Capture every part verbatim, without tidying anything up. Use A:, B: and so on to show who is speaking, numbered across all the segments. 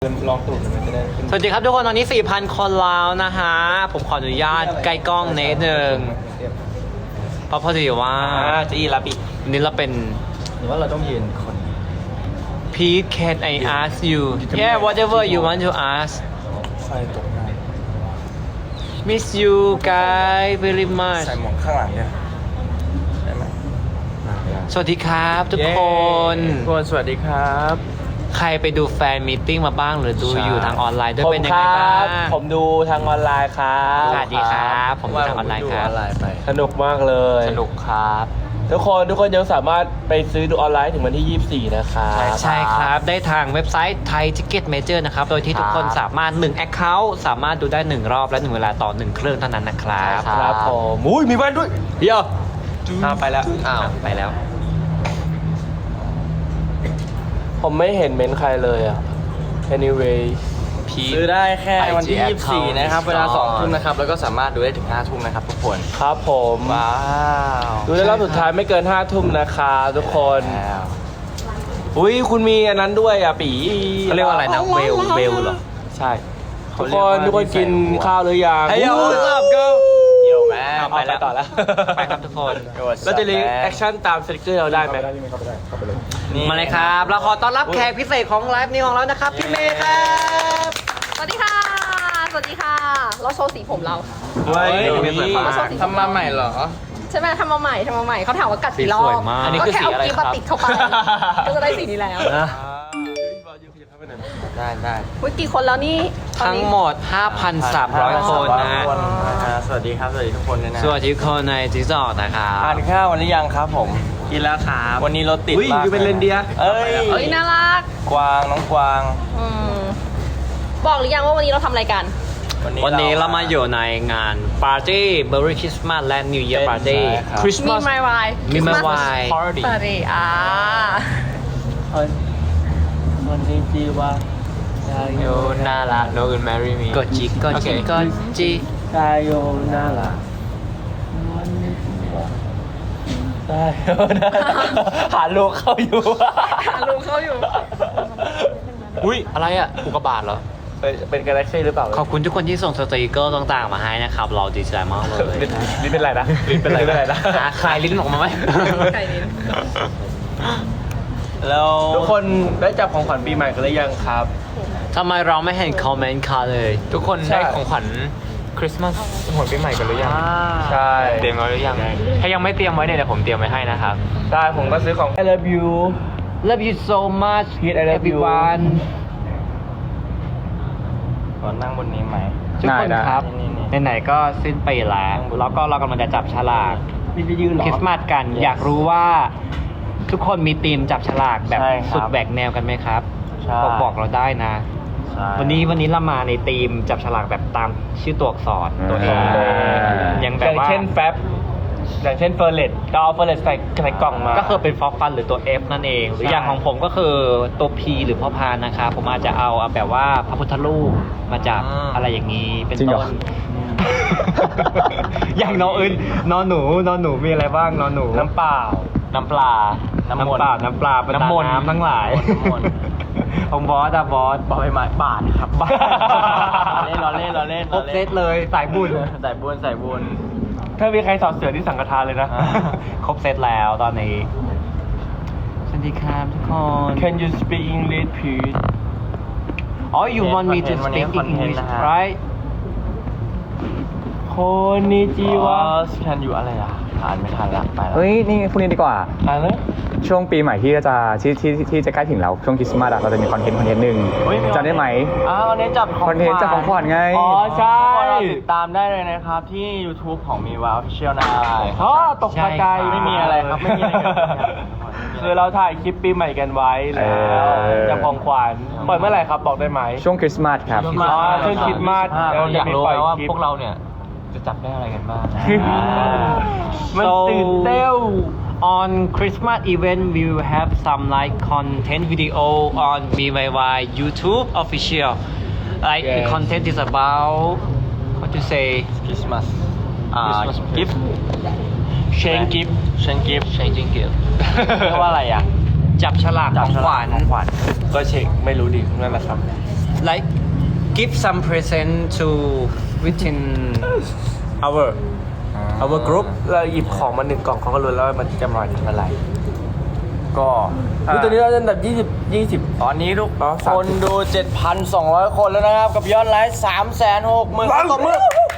A: ลองตูดมันจะได้ขึ้น
B: สวัสดีครับทุกคนตอนนี้ สี่พัน คนแล้วนะฮะผมขออนุญาตใกล้กล้องนิดนึงเพราะพอดีว่า
A: อ่าจะอีรับอีก
B: วันนี้เราเป็น
A: หรือว่าเราต้องยืนคน
B: Pete can I ask you yeah whatever you want to ask
A: ไฟตกได้
B: miss you guys very much
A: ใส่หมวกข้างหลังเนี่ยได้ไหม
B: สวัสดีครับทุกคน
A: ทุกคนสวัสดีครับ
B: ใครไปดูแฟนมีตติ้งมาบ้างหรือดูอยู่ทางออนไลน์ด้วยเป็นยังไงบ้าง
A: ผมดูทางออนไลน์ครับ
B: สวัสดีครับผมดูทางออนไลน์ครับ
A: สนุกมากเลย
B: สนุกครับ
A: ทุกคนทุกคนยังสามารถไปซื้อดูออนไลน์ถึงวันที่ยี่สิบสี่นะครับ
B: ใช่ครับได้ทางเว็บไซต์ Thai Ticket Major นะครับโดยที่ทุกคนสามารถหนึ่ง Account สามารถดูได้หนึ่งรอบและหนึ่งเวลาต่อหนึ่งเครื่องเท่านั้นนะครับ
A: ครับผมอุ้ยมีแว่นด้วย
B: เดี๋ยว
A: อ้าวไปแล้ว
B: อ้าวไปแล้ว
A: ผมไม่เห็นเม้นใครเลยอ่ะ anyway
C: ซื้อได้แค่วันที่
B: ไอ
C: ยี่สิบสี่
B: จี
C: นะครับ
B: account
C: เวลาสองทุ่มนะครับ แล้วก็สามารถดูได้ถึงห้าทุ่มนะครับทุกคน
A: ครับผม
C: ว้าว
A: ดูได้รอบสุดท้ายไม่เกินห้าทุ่มนะครับทุกคน
C: แล้ว
A: อุ้ยคุณมีอันนั้นด้วยอ่ะปี
B: เขาเรียกว่าอะไรนะเวลเวลเหรอ
A: ใช่ทุกคนทุกคนกินข้าวหรือยัง
B: เฮ้ย what's up girl
C: เยี่ยวแม่
A: เอาไปแล้วต่อแล้ว
B: ไปครับทุกคน
A: เราจะรีแอคชั่นตามสติ๊กเกอร์เราได้ไหม
B: มาเลยครับเราขอต้อนรับแขกพิเศษของไลฟ์นี้ของเรานะครับพี่เมย์ครับ
D: สวัสดีค่ะ สวัสดีค่ะ เราโชว์สีผมเรา
A: เฮ้ย
B: เดี๋ยวมี
C: ทำมาใหม่เหรอ
D: ใช่ไหมทำมาใหม่ทำมาใหม่เขาถามว่ากัดกี่รอ
B: สีสวย
D: บ
B: มาก
A: อันนี้คือสีอะไร
D: ก็แค่
A: ครับ
D: เากิ๊บมาติดเข้าไป ก็จะได้สีนี้แล้ว
B: นะ
C: ได้ได้
D: วิกี่คนแล้วนี่ตอน
B: ทั้ง
D: นี้
B: หมด ห้าพันสามร้อย คนนะ
C: คนนะฮะสวัสดีครับ สวัสดีทุกคนเลยนะ
B: สวัสดีทุกคนในจิ๊กซอว์นะครับ
C: ทานข้าววันหรือยังครับผม
B: กินแล้วครับ
C: วันนี้รถติด
A: อุ้ย
C: มาก
A: อยู่เป็นเรนเดียร์
C: เอ้ย
D: เอ้ยน่ารัก
C: กวางน้องกวาง
D: อืมบอกหรือยังว่าวันนี้เราทำอะไรกัน
C: วันนี้
B: วันนี้เรามาอยู่ในงานปาร์ตี้เบอร์รี่คริสต์มาสและนิวเยียร์ปาร์ตี้
C: ใช่ครับ
B: คริสต์
D: มี
B: มาส
D: ไมวาย
B: มีไมวาย
C: ปาร์ตี้
D: ปารีอ่า
A: วันนี้จีว่า
B: โยนาละ no one marry me กดจีกดจีกดจี
A: ตายโยน่ารักตายโยน่ารักหาลูกเข้าอยู่
D: หาลุงเขาอยู่
B: อุ้ยอะไรอ่ะอุกกาบาตเหรอ
A: เป็นกาแล็กซี่หรือเปล่า
B: ขอบคุณทุกคนที่ส่งสติกเกอร์ต่างๆมาให้นะครับ เราดีใจมากเลย
A: ลิ้นลิ้นเป็นไรนะลิ้นเป็นไรเป็นไรนะ
B: หาคลายลิ้นออกมาไหม
D: ไก่ลิ้น
C: แล้ว
A: ทุกคนได้จับของขวัญปีใหม่กันหรือยังครับ
B: ทำไมเราไม่เห็นคอมเมนต์ค่ะเลย
E: ทุกคน
A: ใช่
E: ได้ของขวัญคริสต์มาสหัวปีใหม่กันหรือยัง
A: ใช่
E: เตรียมไว้หรือยัง ถ้ายังไม่เตรียมไว้เนี่ยเดี๋ยวผมเตรียมไว้ให้นะครับ
A: ใช่ผมก็ซื้อของ I love you
B: Love you so much
A: Pete, I love you
B: everyone
C: ก่อนนั่งบนนี้ไหม
B: ทุกคนครับ
C: นี่
B: ไหนๆก็สิ้นปีแล้วแล้วก็เรากำลังจะจับฉลาก
A: นี่จะยืนเหรอ
B: คริสต์มาสกัน อยากรู้ว่าทุกคนมีธีมจับฉลากแบบ
C: ใช่ครับ
B: สุดแหวกแนวกันไหมครับ
C: ใช่
B: บอกบอกเราได้นะ
C: ใช่
B: วันนี้วันนี้เรามาในธีมจับฉลากแบบตามชื่อตัวอักษรตัวเอง
A: อ่า
B: อย่างแบ
A: อบ ย่าง
B: ว่า
A: เช่นแฟบอย่างเช่นเฟอร์เรตเราเอาเฟอร์เรตใส่ใส่กล่องมา
B: ก็คือเป็นฟอฟันหรือตัว F นั่นเอง หรืออย่างของผมก็คือตัว P หรือพ่อพานนะครับผมอาจจะเอาแบบว่าพระพุทธรูปมาจับ
E: อ่า
B: อะไรอย่างนี้เป็น
A: จริงเหร
B: ต้
A: อ
B: น อย่างนออื่นนอหนูนอหนูมีอะไรบ้างนอหนู
A: น้ำเปล่า
B: น้ำปลา น้ำเปล่าน้ำปลาบรรดา
A: น้ำมนต์
B: น้ำทั้งหลาย
C: น้ำมนต์
B: ของบอสอะบอส
C: บอใบไม้บาทครับ
B: บาท
C: เล่นเราเล่นเราเล่น
B: ครบเซตเลยสายบุญ
C: ใส่บุญใส่บุญ
A: ถ้ามีใครสอบเสือที่สังฆทานเลยนะ
C: อ่า
B: ครบเซตแล้วตอนนี้สวัสดีครับทุกคน
A: Can you speak English please
B: อ๋อ you want me to
C: วันนี้
B: speak
C: คอนเทนต์
B: English
C: นะฮะ
B: right
A: โคนิจิวะ
C: แคนอยู่อะไรอ่ะอ่านไม่ทันละไปแล้ว
F: เฮ้ย นี่พรุ่งนี้ดีกว่า
A: อ่านเลย
F: ช่วงปีใหม่ที่จะที่ที่ที่จะใกล้ถึงแล้ว ช่วงคริสต์มาสอะเราจะมีคอนเทนต์คอนเทนต์หนึ่ง
C: เฮ้ย
F: จำได้ไหม
C: อ้าวเน้นจับของ
F: คอนเทนต์จับของขวัญไง
A: อ๋อใช่
C: เราติดตามได้เลยนะครับ ที่ YouTube ของมีวา Official นะ
A: อ๋อตกใจ
C: ไม่มีอะไรครับ ไม่มีอะไรเกิดขึ้นครับ
A: คือเราถ่ายคลิปปีใหม่กันไว้แล้ว
F: เออ
A: จับของขวัญปล่อยเมื่อไหร่ครับบอกได้ไหม
F: ช่วงคริสต์มาสครับ
A: อ๋อช่วงคริสต์มาส
E: เราอยากรู้ไหมว่า
A: คลิป
E: พวกเราเนี่ยจะจับได้อะไรกันบ้าง
A: มันตื่นเต้น
B: on Christmas event we will have some like content video on B Y Y YouTube official like the
A: Yes.
B: content is about what to say
C: Christmas อ่า
B: Christmas
C: gift
A: เชนกิฟ
C: เชนกิฟ
B: changing gift
C: เรียกว่าอะไรอ่ะ
B: จับฉลากของขวัญ
C: ของขวัญ
A: ก็เช็คไม่รู้ดินั่นแหละครับ
B: like give some present to within our our group
A: เราหยิบของมาหนึ่งกล่องเขาก็รู้แล้วว่ามันจะมาจากอะไร
C: ก็
A: คือตอนนี้เราอันดับยี่สิบ ยี่สิบ
C: ตอนนี้ทุก
A: อ๋อ
C: ค
A: สาม
C: น
A: สิบ
C: ดู เจ็ดพันสองร้อย คนแล้วนะครับ กับยอดไลค์ สามแสนหกหมื่น คนต่อมือ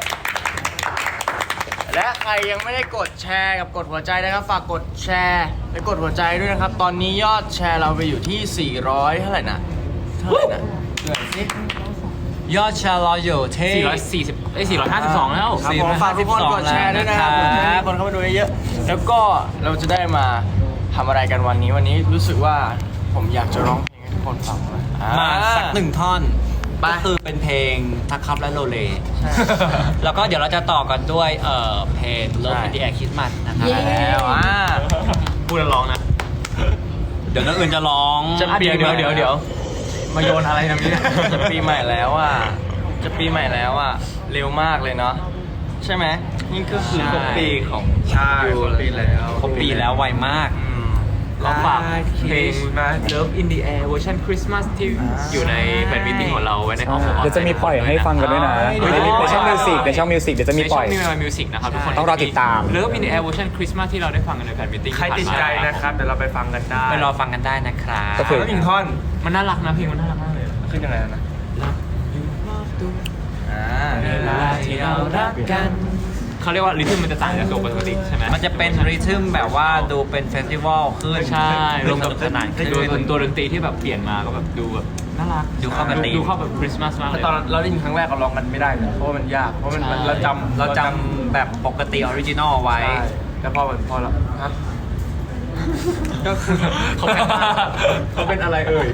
C: และใครยังไม่ได้กดแชร์กับกดหัวใจนะครับ ฝากกดแชร์และกดหัวใจด้วยนะครับ ตอนนี้ยอดแชร์เราไปอยู่ที่ สี่ร้อย เท่าไหร่นะ เท่าไหร่นะเหนื่อยสิ
B: ยอดแชร์เราอยู่ที่
E: สี่ร้อยสี่สิบเอ้ยสี่ร้อยห้าสิบสองแล้ว
C: ครับผมฝากทุกคนกดแชร์ด้วยนะครับกดแชร์ให้คนเข้ามาดูเยอะๆแล้วก็เราจะได้มาทำอะไรกันวันนี้วันนี้รู้สึกว่าผมอยากจะร้องเพลงให้ทุกคนฟังเลย
B: มาสักหนึ่งท่อน
C: ไป
B: ก็คือเป็นเพลงทักครับและโลเล แล้วก็เดี๋ยวเราจะต่อกันด้วยเอ่อเพลง Love in the Air Christmas นะครับ
D: เย้
C: แล้วอ่า
E: พูดแล้วร้องนะ
B: เดี๋ยวน้องอื่นจะร้อง
C: จะเปลี่ยน
E: เดี๋ยวเดี๋ยวเดี๋ยว มาโยนอะไรตรงนี้
C: จะปีใหม่แล้วอ่ะจะปีใหม่แล้วอ่ะเร็วมากเลยเนาะใช่ไหมนี่ก็คือครบปีของ
A: ใช่ครบปีแล้ว
B: ครบปีแล้วไวมาก
C: อืม
E: เราฝากเพลง Love in the Air เวอร์ชันคริสต์มาสที่อยู่ในแฟนมิตติ้งของเราไว้ในห้อง
F: เดี๋ยวจะมีปล่อยให้ฟังกันด้วยนะในช่องมิวสิกในช่องมิวสิกเดี๋ยวจะมีปล่อย
E: ในช่องมิวสิกนะครับทุกคน
F: ต้องรอติดตาม
E: Love in the Air เวอร์ชันคริสต์มาสที่เราได้ฟังกันในแฟนมิตติ้ง
A: ใครติดใจนะครับ เดี๋ยวเราไปฟังกันได้
B: ไปรอฟังกันได้นะครับ
F: ก็คือ
A: แล้วอีกท่อน
E: มันน่ารักนะเพลงมันน่ารักมากเลย
A: ขึ้นยังไงนะ
C: อ่า
E: เวลาที่เรารักกันเขาเรียกว่าริทึมมันจะต่างจากตัวปกติใช่ไหม
B: มันจะเป็นริทึมแบบว่าดูเป็นเฟสติวัลขึ้น
E: ใช่
B: รวมกับสนานขึ้น
E: ดูตัวดนตรีที่แบบเปลี่ยนมาก็แบบดูแบบน่ารัก
B: ดูเข้ากับธีม
E: ดูเข้าแบบคริสต์มาสมากเลย
A: ตอนเราได้ยินครั้งแรกเราร้องกันไม่ได้เลยเพราะว่ามันยาก เพราะมัน
E: ใช่
A: เราจำ
B: เราจำแบบปกติออริจินอลไว้
A: ใช่แล้วพอมันพอเราฮะก็คือ
E: เขาเป็นเขาเป็นอะไรเอ่ย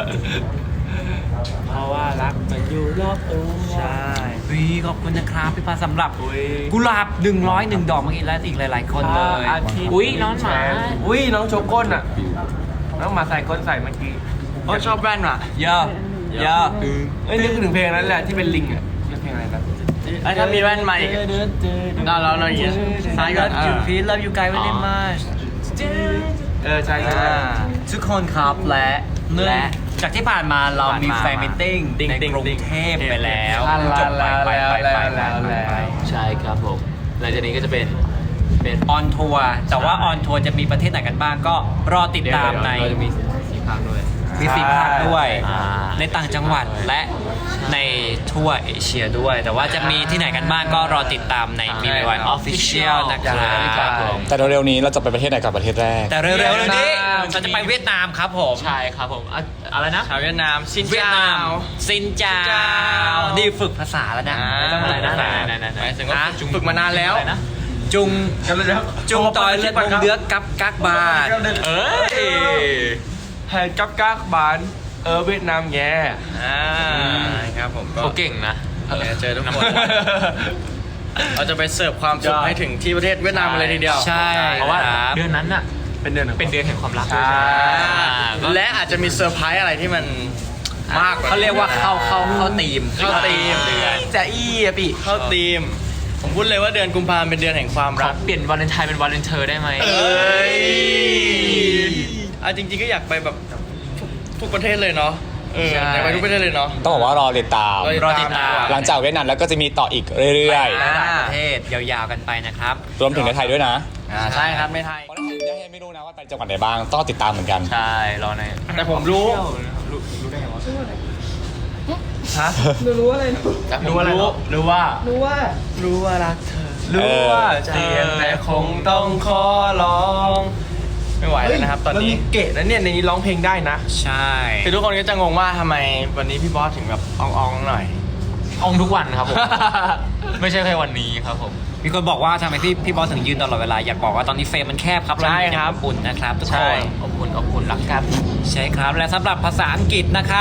A: เพราะว่ารักมันอยู่รอบตัว
C: ใช่
B: วีขอบคุณนะครับพี่ปาสำหรับกุหลาบหนึ่งร้อยหนึ่งดอกเมื่อกี้และอีกหลาย ๆ คนเลย
A: อาทิตย์
E: อุ๊ยน้องหมา
A: อุ้ยน้องโชก้นอ่ะ น้องหมาใส่ก้นใส่เมื่อกี้
C: โอ้ชอบแว่นว่ะ
B: เยอะเยอะ
A: เอ้ยนึกถึงเพลงนั้นแหละที่เป็นลิงอ่ะเรียกเพลงอะไรนะ
C: ไอ้ถ้ามีแว่นมาอีกเราเราเราอย่างเงี้ยซ้ายก่อน
B: Love you please love you guys very much
A: เออใช่ใช่
C: อ่า
B: ทุกคนครับและและจากที่ผ่านมาเรามี
C: ผ่านมา
B: แฟนมิทติ้ง
C: ติ๊ง
B: ใน
C: ติ๊ง
B: กรุ
C: ติ๊
B: ง
C: ง
B: เทพไปแล้ว
A: อ่า
B: จบไปไปไปไป
A: แล้ว
B: ไป
A: แล้ว
B: ไป
E: ใช่ครับผมหลังจากนี้ก็จะเป็นเป็น
B: ออนทัวร์แต่ว่าออนทัวร์จะมีประเทศไหนกันบ้างก็รอติดตามใน
E: เราจะมีสีภาคด้วย
B: มีสีภาคด้วย
E: อ่า
B: ในต่างจังหวัดและในทั่วเอเชียด้วย แต่ว่าจะมีที่ไหนกันบ้างก็รอติดตามใน มี วาย Official นะครั
E: ครับ บผม
F: แต่เร็วๆนี้เราจะไปประเทศไหนกับประเทศแรก
B: แต่เร็วๆนี้เราจะไปเวียดนามครับผม
E: ใช่ครับผมอ่ะอะไรนะ
C: ชาวเวียดนามซิน
B: เวียดนาม
C: ว
B: ซินจา
C: ซินเจ้า
B: นี่ฝึกภาษาแล้วนะ
C: อ่า
B: ไม่ต้องอะไรนะ
E: ไหนไหนไหนไหน
C: หมายถึงว่าฝึกฝึกมานานแล้ว
E: อะไรนะ
B: จุง
A: แล้ว
B: จุงต่อยเลือดมงเดือกกับกักบาท
E: เอ้ย
A: แฮนกับกากบานเออเวียดนามแย่
C: อ่าครับผมก็
E: เขาเก่งนะ
C: เดี๋ยวเจอทุกคน เราจะไปเสิร์ฟความสุขให้ถึงที่ประเทศเวียดนามกันเลยทีเดียว
B: ใช่
E: เพราะว่า
B: ครับ
E: เดือนนั้นน่ะ
A: เป็นเดือน
E: เป็นเดือนแห่งความรักด้วย
A: ใช่
E: อ่าก็
C: และอาจจะมีเซอร์ไพรส์อะไรที่มันมากกว่า
B: เขาเรียกว่าเข้าเข้าเข้าตีม
C: เข้าธีม
E: เดือน
A: จะอี้อะพี่
C: เข้าธีม ผมพูดเลยว่าเดือนกุมภาพันธ์เป็นเดือนแห่งความ
E: ขอ
C: รัก
E: เปลี่ยนวาเลนไทน์เป็นวาเลนเทอร์ได้ไหม
C: เอ้ยอ่ะจริงๆก็อยากไปแบบทุกทุกประเทศเลยเนาะเออ
B: ใช่
C: อยากไปทุกประเทศเลยเนาะ
F: ต้องบอกว่ารอติดตาม
B: รอติดตาม
F: หลังจากเวียดนามแล้วก็จะมีต่ออีกเรื่อย
B: หลายๆประเทศยาวๆกันไปนะครับ
F: ๆ รวมถึงในไทยด้วยนะ
C: อ่าใช่ครับไม่ไทย
F: เพราะในไทยไม่รู้นะว่าไปจังหวัดไหนบ้าง ต้องติดตามเหมือนกัน
E: ใช่ รอใน
C: แต่ผมรู้
E: รู้รู้ได้ไงวะ
A: ฮะ
C: แต่ผม
A: รู้อะไร
C: รู้
A: รู้ว่า
D: รู้ว่า
C: รู้ว่ารักเธอ
A: รู้ว่าเจียนแต่คงต้องขอร้อง
C: ไม่ไหวแล้วนะครับ ตอนนี้
A: แล้วเก๋นะเนี่ยในนี้ร้องเพลงได้นะ
B: ใช่
C: คือทุกคนก็จะงงว่าทำไมวันนี้พี่บอสถึงแบบอ่องๆหน่อย
E: องทุกวันครับผม ไม่ใช่แค่วันนี้ครับผม
B: มีคนบอกว่าทำไมพี่พี่บอสถึงยืนตลอดเวลาอยากบอกว่าตอนนี้เฟรมมันแคบครับ
C: ใช่
B: เาอยู่
C: ครับ
B: อบอุ่นนะครับทุก
C: ใช่
B: คน
E: อบอุ่นอบอุ่นรักครับ
B: ใช่ครับและสำหรับภาษาอังกฤษนะครับ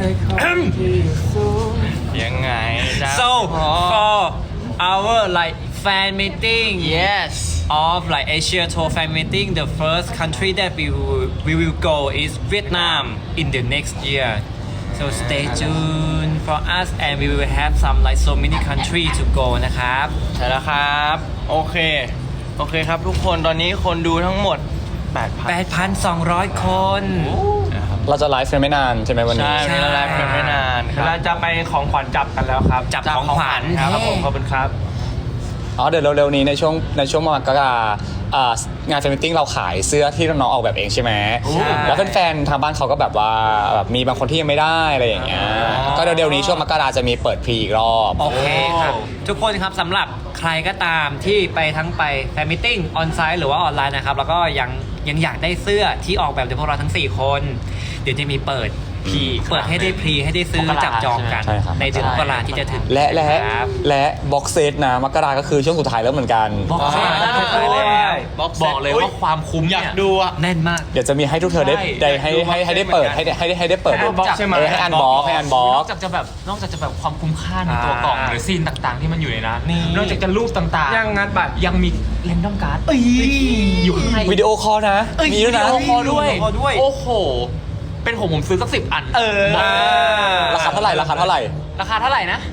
C: ยังไงจ๊ะ
B: so
C: พอ
B: for our like fan meeting
C: yes
B: of like Asia tour fan meeting the first country that we will, we will go is Vietnam in the next year so stay tuned for us and we will have some like so many country to go นะครับ
C: ใช่แล้วครับ โอเค โอเคครับทุกคนตอนนี้คนดูทั้งหมดแปดพัน
B: แปดพันสองร้อยคน
F: เราจะไลฟ์กันไม่นานใช่ไหมวันนี้
C: ใช่
B: ใช่
C: เวลาไลฟ์กันไม่นานครั
A: เรา
C: บ
A: จะไปของขวัญจับกันแล้วครับ
B: จับของขวัญ
A: ครับผมขอบคุณครับ
F: อ๋อเดี๋ยวเร็วๆนี้ในช่วงในช่วงมกราอ่างานแฟนมิทติ้งเราขายเสื้อที่น้องๆออกแบบเองใช่ไหม
B: ใช่
F: แล้วแฟนๆทางบ้านเขาก็แบบว่าแบบมีบางคนที่ยังไม่ได้อะไรอย่างเงี้ยก็เร็วๆนี้ช่วงมกราจะมีเปิดพรีอีกรอบ
B: โอเคครับ ทุกคนครับสำหรับใครก็ตามที่ไปทั้งไปแฟนมิทติ้งออนไซต์หรือว่าออนไลน์นะครับ แล้วก็ยังยังอยากได้เสื้อที่ออกแบบโดยพวกเราทั้ง สี่ คน เดี๋ยวจะมีเปิดพรีเปิดให้ได้พรีให้ได้ซื้อจับจองกัน
F: ใช่ครับ
B: ในเดือนมกราที่จะถึง
F: และและ
B: ครับ
F: และบ็อกเซตนะมกราก็คือช่วงสุดท้ายแล้วเหมือนกัน
B: บ็อกเซต
C: อ่า
B: ขายแล้ว
C: บ็อกเซต
E: บอกเลยว่าความคุ้ม
C: อยาก
E: เนี่ย
C: ดูอ่ะ
B: แน่นมาก
F: เดี๋ยวจะมีให้ทุกเธอได้
E: ใช่
F: ได้ให้ให้ให้ได้เปิดให้ได้ให้ได้ให้ได้เปิด
C: ให้ unbox ใช่ไหม
F: เออให้อันบ็อกให้อันบ็อน ก
E: อกจากจะแบบนอกจากจะแบบความคุ้มค่าในตัวกล่อง
A: อ่า
E: หรือซีนต่างๆ ที่มันอยู่ในนั้น
A: นี่
E: นอกจากจะรูปต่างๆ
A: ยังงานบัตร
E: ยังมีเรนดอมการ์ดอยู่ข้างใน
F: วิดีโอคอลนะ มีด้วยนะ
E: วิดีโอคอลด้วย
B: วิดีโอคอลด้วย
E: โอ้โห เป็นผมผมซื้อสักสิบอัน
B: เออ
E: บอก
F: ราคาเท่าไหร่ราคาเท่าไหร่
E: ราคาเท่าไหร่นะ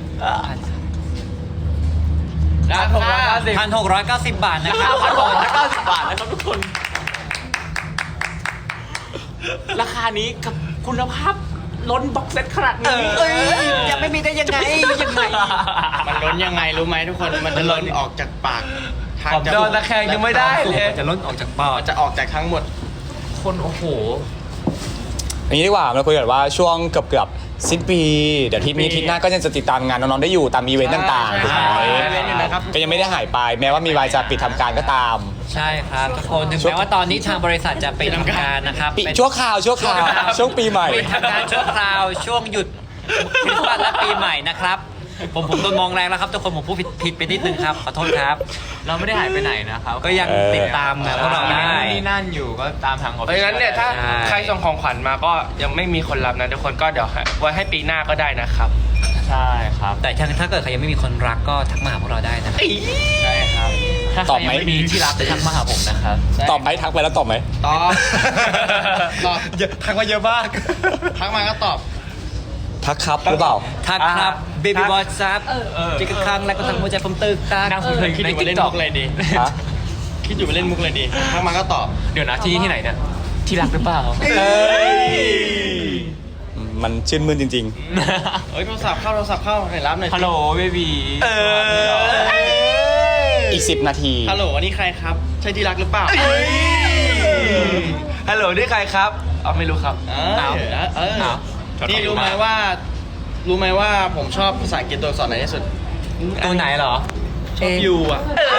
C: ราคา
B: พันหกร้อยเก้าสิบบาทนะครับ
E: พันหกร้อยเก้าสิบบาทนะครับทุกคน ราคานี้กับคุณภาพล้นบ็อกเซตขนาดนี้
B: เอ้ยยังไม่มีได้ยังไงยังไง
C: มันล้นยังไงรู้ไหมทุกคน มันจะล้นออกจากปากทาง
A: ผม
C: จ
A: โด
C: มู
A: นตะแคงยังไม่ได้เลย
B: จะล้นออกจากปอด
C: จะออกจากทั้งหมด
E: คนโอ้โห
F: อย่างนี้ดีกว่าเราคุยกันว่าช่วงเกือบเกือบๆสิ้นปี เดี๋ยวอาทิตย์นี้อาทิตย์หน้าก็ยังจะติดตามงานน้องๆได้อยู่ตามอีเวนต์ต่างๆถูกไหม
C: ใช่อีเวนต์อยู่นะครับ
F: ก็ยังไม่ได้หายไปแม้ว่ามีวายจะปิดทำการก็ตาม
B: ใช่ครับทุกคนถึงแม้ว่าตอนนี้ทางบริษัทจะปิดทำการนะครับ
F: ปิด
B: เป็น
F: ชั่วคราวชั่วคราวช่วงปีใหม่
B: ปิดทำการชั่วคราวช่วงหยุดคริสต์มาสและปีใหม่นะครับ ผมผมโดนมองแรงแล้วครับทุกคนผมพูดผิดผิดไปนิดนึงครับขอโทษครับ
E: เราไม่ได้หายไปไหนนะครับ
B: ก็ยังติดตามนะพวกเราได้
E: นี่นั่นอยู่ก็ตามทางออฟ
A: เพ
E: ฟิ
A: ราะ
E: เชียล
A: ฉะนั้นเนี่ยถ้า
B: ใช่
A: ใครส่งของขวัญมาก็ยังไม่มีคนรับนะทุกคนก็เดี๋ยวให้ไว้ให้ปีหน้าก็ได้นะครับ
E: ใช่ครับ
B: แต่ถ้าถ้าเกิดใครยังไม่มีคนรักก็ทักมาหาพวกเราได้นะครับ
C: ใช่ครับ
E: ถ้าใค
F: ต
E: ร
F: อบ
E: ยั
F: ไหม
E: งไม่มีที่รับจะทักมาหาผมนะครับ
F: ตอบไหมทักไปแล้วตอบไหม
C: ตอบ ตอบ
A: ทักมาเยอะมาก
C: ทักมาก็ตอบ
F: ทักครับหรือเปล่า
B: ทักครับ
A: อ่า
B: เบบี้
A: ทัก
B: บอสซับจิกกะครั้งแล้วก็ทำหัวใจผมตึกตัก
E: นั่งคุย
C: คิด
E: ใน
C: อยู่ว่า
E: ติ๊
C: เล่
E: ก
C: น
E: ต็อ
C: มุ
E: ก
C: กอะไรดี
F: ฮะ
C: คิดอยู่ว่าเล่นมุกอะไรดีทักมาก็ตอบ
E: เดี๋ยวนะที่นี่ที่ไหนเนี่ย ที่รักหรือเปล่า
F: เอ้ยมันชื่นมื่นจริง
C: เฮ้ยโทรศัพท์เข้าโทรศัพท์เข้าไหนรับหน่อยสิ
E: ฮัลโหลเบบี
F: ๆ อีกสิบนาที
C: ฮัลโหลอันนี้ใครครับ ใช่ที่รักหรือเปล่า
A: ฮัลโหลนี่ใครครับอ๋อไม่รู้ครับ
C: เออเออ
E: อ้าว
C: นี่รู้ไหมว่า รู้ไหมว่าผมชอบภาษาอังกฤษตัวอักษรไหนที่สุด
B: ตัวไหนเหรอ
C: ชอบยูอ่ะ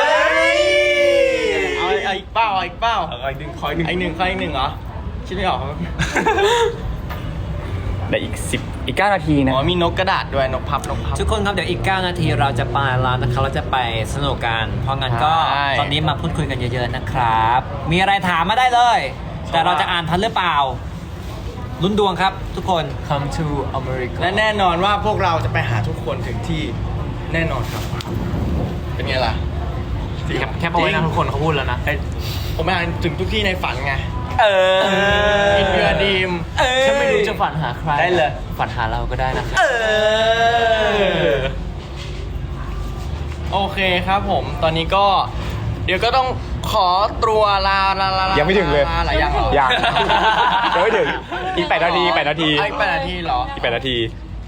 C: เอาเอาอีกเป้าเอาอีกเป้า
A: เอาอีกหนึ่งคอยหนึ่ง
C: ไอหนึ่งใครอีกหนึ่งเหรอ คิดไม่ออกครับ
F: แต่อีกสิบอีกเก้านาทีนะ
C: อ๋อมีนกกระดาษด้วยนกพับนกพับ
B: ทุกคนครับเดี๋ยวอีก เก้า นาทีเราจะไปแล้วนะครับเราจะไปสนุกกัน เพราะงั้นก็
C: ใช่
B: ตอนนี้มาพูดคุยกันเยอะๆนะครับ มีอะไรถามมาได้เลย แต่เราจะอ่านทันหรือเปล่า ลุ้นดวงครับทุกคน
E: Come to America
C: และแน่นอนว่าพวกเราจะไปหาทุกคนถึงที่แน่นอนครับ เป็นไงล่ะ
E: แคปแคปเอาไว้นะทุกคนเขาพูดแล้วนะ
C: ผมไปหาถึงทุกที่ในฝันไง
B: เออ
C: อินเดียดีม
B: เออ
E: ฉันไม่รู้จะฝันหาใคร
C: ได้เลย
E: ฝันหาเราก็ได้นะครับ
B: เออ
C: โอเคครับผม ตอนนี้ก็ เดี๋ยวก็ต้องขอตัวลาลาลาลา
F: ยังไม่ถึงเลย
C: ลาหลายอย่างเหรอ
F: ยังยังไม่ถึงอีกแปดนาทีแปดนาที
C: อีกแปดนาทีเหรอ
F: อีกแปดนาที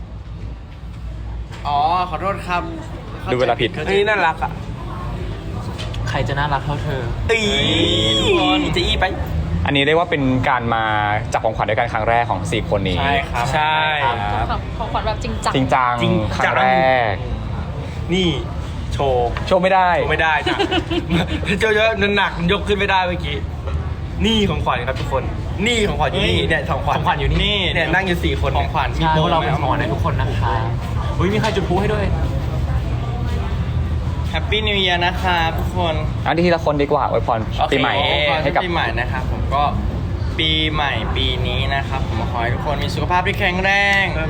C: อ๋อ ขอโทษครับ
F: ดูเวลาผิด
C: ข้ใจ
A: นี่น่ารักอ่ะ
E: ใครจะน่ารักเท่าเธอ
A: อีจะอี้ไป
F: อันนี้เรียกว่าเป็นการมาจับของขวัญด้วยกันครั้งแรกของสี่คนนี้
C: ใช่ครับ
A: ใช่
D: ของขวัญแบบจริงจัง
F: จริงจัง
A: จริง
F: ค
A: จั
F: รั้
A: ง
F: งแรก
A: นี่โชว์
F: โชว์ไม่ได้
A: โชว์ไม่ได้จ้ะ เจ้าเยอะหนักๆยกขึ้นไม่ได้เมื่อกี้ นี่ของขวัญครับทุกคน นี่ของขวัญอยู่นี่เนี่ยของขวัญ
E: ของขวัญอยู่นี่
A: เนี่ยนั่งอยู่สี่คน
C: ของขวัญมี
E: ใช่
C: โบ
E: พวกเรา
C: ไหม
E: เป็นของขวัญให้ทุกคนนะคะอุ้ยมีใครจุดพลุให้ด้วย
C: แฮปปี้นิว e ย r นะครับทุกคน
F: อันที่ทีละคนดีกว่าอวยพรปีใหม่
C: โอเค
F: ให้กับ
C: ปีใหม่นะครับผมก็ปีใหม่ปีนี้นะครับผมขอให้ทุกคนมีสุขภาพที่แข็งแรง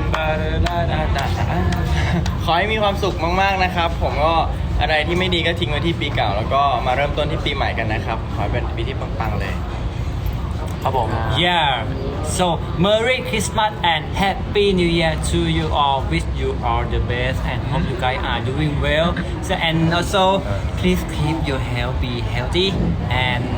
C: ขอให้มีความสุขมากๆนะครับ ผมก็อะไรที่ไม่ดีก็ทิ้งไว้ที่ปีเก่า แล้วก็มาเริ่มต้นที่ปีใหม่กันนะครับ ขอให้เป็นปีที่ปังๆเลย
E: ครับผม
B: Yeah so Merry Christmas and Happy New Year to you all wish you all the best and hope you guys are doing well so and also please keep your health be healthy and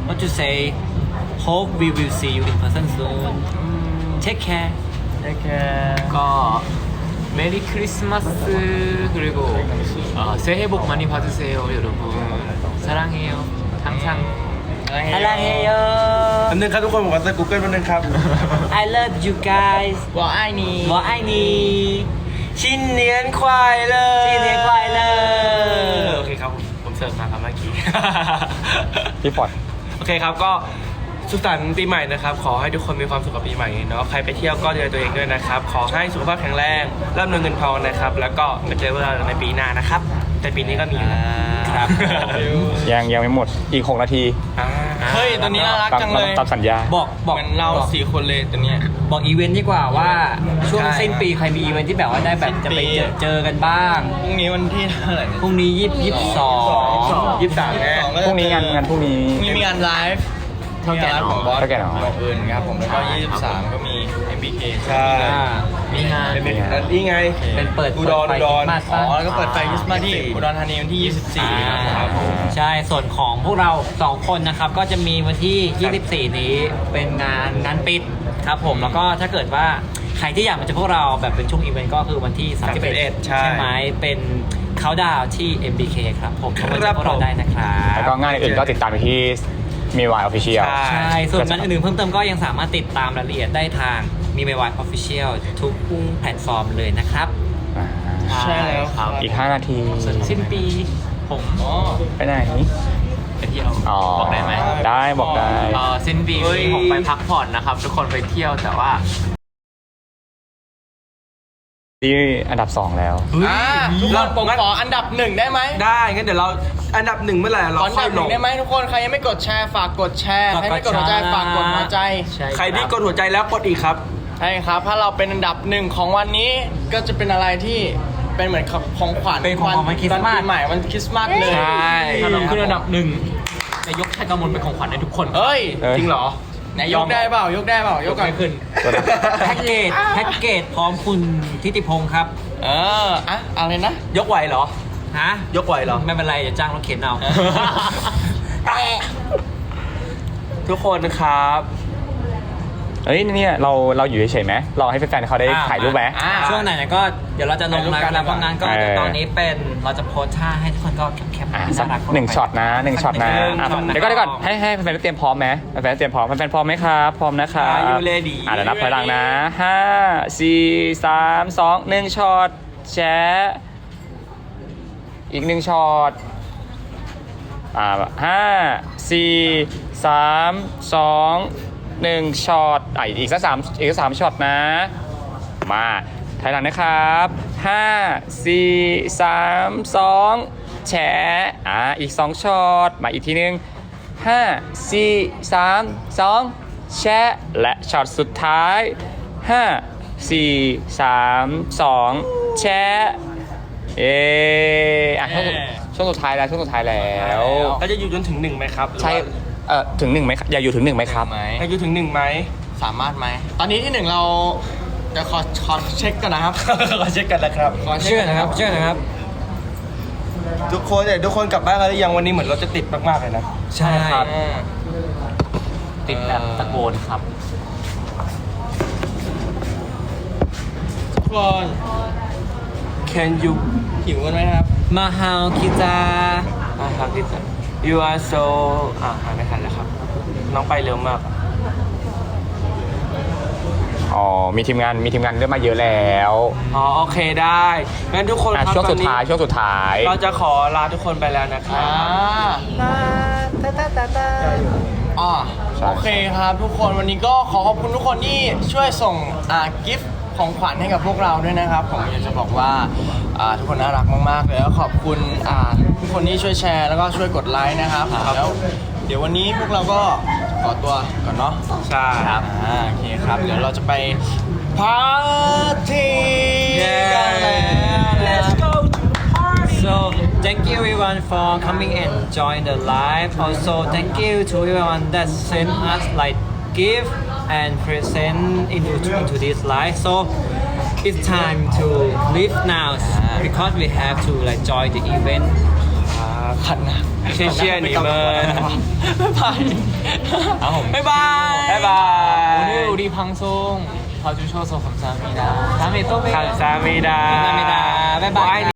B: what to say hope we will see you in person soon take care
C: 이렇게
E: 거 메리 크리스마스 그리고 어, 새해 복 많이 받으세요 여러분 사랑해요 항상
B: 사랑해요
A: อันนึงครับทุกคนผมขอใส่ Google แป๊บนึงครับ
B: I love you guys
C: 我爱你
B: 我爱你
A: 新年快乐
B: 新年快乐
A: โอเคครับผมผมเสิร์ฟมาครับเมื่อกี้
F: พี่ฟอร์ด
A: โอเคครับก็สุขสันต์ปีใหม่นะครับขอให้ทุกคนมีความสุขกับปีใหม่เนาะใครไปเที่ยวก็ดูแลตัวเองด้วยนะครับขอให้สุขภาพแข็งแรงร่ำรวยเงินทองนะครับแล้วก็มาเจอพวกเราในปีหน้านะครับแต่ปีนี้ก็มีอยู่นะครับ
F: ยังยังไม่หมดอีกหกนาที
A: อ่า
C: เฮ้ยตัวนี้น่ารัก
F: ตาม
C: จังเลย
F: ตามสัญญา
B: บอกบอก
C: เหมือนเราสี่คนเลยตัวเนี้ย
B: บอกอีเวนต์ดีกว่าว่าช่วง
C: ใช่
B: สิ้นปีใครมีอีเวนต์ที่แบบว่าได้แบบจะไปเจอเจอกันบ้าง
C: พรุ่งนี้วันที่เท่าไหร่เนี่ย
B: พรุ่งนี้ยี่สิบยี่สิบสอง
A: ยี่สิบสามแน่
F: พรุ่งนี้งานงานพรุ่งนี้
C: พรุ่งนี้มีงานไลฟ์เท่าแก่ของบอส
F: เท่าแก่หนอ
C: ของอื่นครับผมแล้วก็ยี่สิบสามก็มี เอ็ม บี เค
A: ใช่
E: มีงาน
A: เป็นเป็นนี่ไง
B: เป็นเปิด
A: อุดร
B: เปิ
A: อุ
B: ไฟ
A: ดร
B: คริสต์มาส
C: อ๋อ
B: ป่ะ
C: แล้วก็เปิดไฟคริสต์มาสที่อุดรธานีวันที่ ยี่สิบสี่ ครับผม
B: ใช่ ส่วนของพวกเราสองคนนะครับ ก็จะมีวันที่ ยี่สิบสี่ นี้เป็นงานงานปิดครับผม แล้วก็ถ้าเกิดว่าใครที่อยากมาเจอพวกเราแบบเป็นช่วงอีเวนต์ก็คือวันที่ สามสิบเอ็ด
A: ใช่
B: ใช่ไหมเป็นเขาดาวที่ เอ็ม บี เค ครับผมก็มาเจอพวกเราได้นะครับ
F: แล้วก็งานอื่นๆก็ติดตามไปที่มีวายออฟฟิเชียล
B: ใช่ ส่วนงานอื่นๆเพิ่มเติมก็ยังสามารถติดตามรายละเอียดได้ทางมีเมวายออฟฟิเชียลทุกแพลตฟอร์มเลยนะครับ
C: ใช่แล้วครับ
F: อีกห้านาที
B: สิ้นปีผม
C: อ๋อ
F: ไปไหน
E: ไปเที่ยว
F: อ๋อ
E: บอกได้ไหม
F: ได้บอกได้
E: เอ่อสิ้นปี
A: เฮ้ย
E: นี้ผมไปพักผ่อนนะครับ ทุกคนไปเที่ยวแต่ว่า
F: ที่อันดับสองแล้ว
C: อ่าทุกคนผมขออันดับหนึ่งได้ไหม
A: ได้งั้นเดี๋ยวเราอันดับหนึ่งเมื่อไหร่
C: ข
A: เรา
C: ออัน
A: ค่อ
C: ดั
A: ย
C: บห
A: ล
C: นึ่ง
A: ง
C: ได้ไหมทุกคนใครยังไม่กดแชร์ฝากกดแชร์ใครไม่กดหัวใจฝากกดหัวใจ
B: ใช่
A: ใครที่กดหัวใจแล้วกดอีกครับ
C: ใช่ครับ ถ้าเราเป็นอันดับหนึ่งของวันนี้ก็จะเป็นอะไรที่เป็นเหมือนของขวัญ
B: เป็นของขวัญวันคริสต์มาส
C: ปีใหม่วันคริสต์มาสเลย
A: ใช่
E: ถ้าเราขึ้นอันดับหนึ่งจะยกชัยกำมลเป็นของขวัญให้ทุกคน
C: เฮ้ย
F: เอ้ย
A: จริงเหรอ
C: ไหนยกได้เปล่ายกได้เปล่ายกก่อน
E: ไม่ขึ้น
B: แพ็กเกจแพ็กเกจพร้อมคุณทิติพงศ์ครับ
C: เอออะอะไรนะ
A: ยกไหวเหรอ
B: ฮะ
A: ยกไหวเหรอ
B: ไม่เป็นไรอย่าจ้างรถเข็นเอา
A: ทุกคนนะครับ
F: เอ้ยเนี่ยเราเราอยู่เฉยๆไหมรอให้แฟนๆเขาได้
B: อ่า
F: ถ่ายรูปไหม
C: อ่า
B: ช่วงไหนๆก็เดี๋ยวเราจะลงไลฟ์แล้วเพราะงั้นก็
F: เออ
B: เดี๋ยวตอนนี้เป็นเราจะโพสท่าให้ทุกคนก็แคปๆ
F: อ่ะ
B: ที่
F: สัก
B: น่ารักเข้าไป
F: หนึ่งช็อตนะหนึ่งช็อตนะ
B: หนึ่ง
F: อ่ะ
B: ช็อตนะ
F: เดี๋ยวก่อนเดี๋ยวก่อนให้ให้แฟนๆเตรียมพร้อมไหมแฟนๆเตรียมพร้อมแฟนๆพร้อมไหมครับพร้อมนะครับ
A: Are you ready?
F: อ่ะเดี๋ยวนับถอยหลังนะห้าสี่สามสองหนึ่งช็อตแชะอีกหนึ่งช็อตอ่าห้าสี่สามสองหนึ่งช็อตอ่ะอีกสักสามอีกสักสามช็อตนะ มาถอยหลังนะครับห้าสี่สามสองแชะอ่ะอีกสองช็อตมาอีกทีนึงห้าสี่สามสองแชะและช็อตสุดท้ายห้าสี่สามสองแชะเอออ่ะช่วงช่วงสุดท้ายแล้วช่วงสุดท้ายแล้ว
A: เราจะอยู่จนถึงหนึ่งไหมครับหรือว่า
F: ใช่เอ่อถึงหนึ่งไหมครับอย่าอยู่ถึงหนึ่งไหมครับ
C: ไหม
A: เราอยู่ถึงหนึ่งไหม
C: สามารถไหม ตอนนี้ที่หนึ่งเราเดี๋ยวขอขอเช็คก่อนนะครับ
A: ขอเช็คกันนะครับ
C: ขอเช็ค
B: เชื่อ
C: ก่อน
B: นะครับเชื่อนะครับ
A: ทุกคนเนี่ยทุกคนกลับบ้านกันหรือยังวันนี้เหมือนเราจะติดมากๆเลยนะ
B: ใช่
C: อ่า
E: ติดแบบตะโกนครับ
C: ทุกคน
A: Can you
C: หิวกันไหมครับ
B: มาฮาวคิจา
A: อ่าครับพี่จัน You are so อ่าหาไม่ทันแล้วครับ น้องไปเร็วมาก
F: อ๋อมีทีมงานมีทีมงานเริ่มมาเยอะแล้ว
A: อ๋อโอเคได้งั้นทุกคน
F: อ่ะ
A: ครับ
F: ช่วง
A: ต
F: สุ
A: อน
F: ด
A: นี้
F: ท้ายช่วงสุดท้าย
A: เราจะขอลาทุกคนไปแล้วนะครั
C: อ่า
A: บ
C: อ๋อ
F: ใช่
C: โอเคครับทุกคนวันนี้ก็ขอขอบคุณทุกคนที่ช่วยส่งอ่ากิฟต์ของขวัญให้กับพวกเราด้วยนะครับ ผมอยากจะบอกว่าอ่าทุกคนน่ารักมากๆเลยแล้วขอบคุณอ่าทุกคนที่ช่วยแชร์แล้วก็ช่วยกดไลค์นะครับแล้วเดี๋ยววันนี้พวกเราก็ขอตัวก่อนเนาะ
A: ใช่ครับ
C: อ่าโอเคครับ เดี๋ยวเราจะไปปาร์ตี้กันแล้ว
B: So thank you everyone for coming and join the live. Also thank you to everyone that sent us like gift and present into into this live. So it's time to leave now because we have to like join the event.
C: ขันนะ
A: 谢谢你们
C: บ๊ายบาย
E: 아,
C: บ๊ายบาย
A: บ๊ายบาย
E: 오늘 우리 방송 봐주셔서 감사합니다. 다음에 또 봬요.
A: 감사합니다
C: 감사합니다. 바이바이.